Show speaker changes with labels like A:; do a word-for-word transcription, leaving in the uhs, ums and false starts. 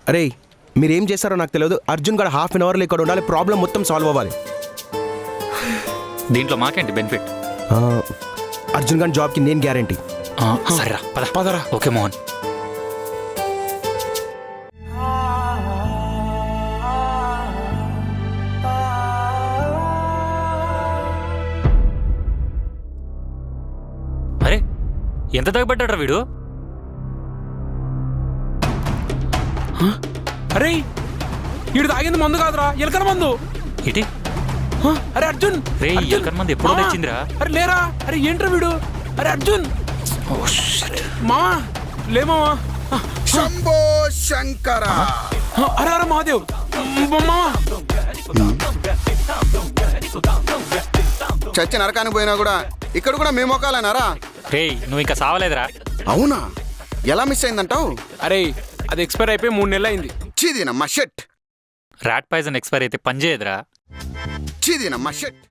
A: అరే మీరేం చేస్తారో నాకు తెలియదు. అర్జున్ గారు హాఫ్ అన్ అవర్లో ఇక్కడ ఉండాలి, ప్రాబ్లం మొత్తం సాల్వ్ అవ్వాలి.
B: దీంట్లో మాకేంటి బెనిఫిట్?
A: ఆ, అర్జున్ గారి జాబ్కి నేను గ్యారంటీ.
B: సరేరా పద
C: పదరా.
B: ఓకే మోహన్. అరే ఎంత తగ్గబడ్డాడ్రా వీడు?
C: అరే ఈడు తాగింది మందు కాదురా, ఎలకల మందు.
B: ఇటీ
C: హ? అరే అర్జున్
B: రే
C: అర్జున్!
B: ఎలకల మంది ఎప్పుడో
C: మావా!
B: తెచ్చిందిరా.
C: అరే లేరా, అరే ఏంట్రా వీడు? అరే అర్జున్
B: ఓ షిట్.
C: మావా, లే మావా.
D: శంభో శంకర.
C: హ, అరే అరే మహాదేవ్ మావా.
D: చచ్చి నరకానికి పోయినా కూడా ఇక్కడ కూడా మేము మొక్కాలన్నారా?
B: రే నువ్వు ఇంకా సావలేదురా.
D: అవునా, ఎలా మిస్ అయిందంటావు?
C: అరే అది ఎక్స్పైర్ అయిపోయి మూడు నెలలు అయింది.
D: చీదీనమ్మా షెట్,
B: ర్యాట్ పాయిజన్ ఎక్స్పైర్ అయితే పని చేయదురా.
D: చీదీనమ్మా షెట్.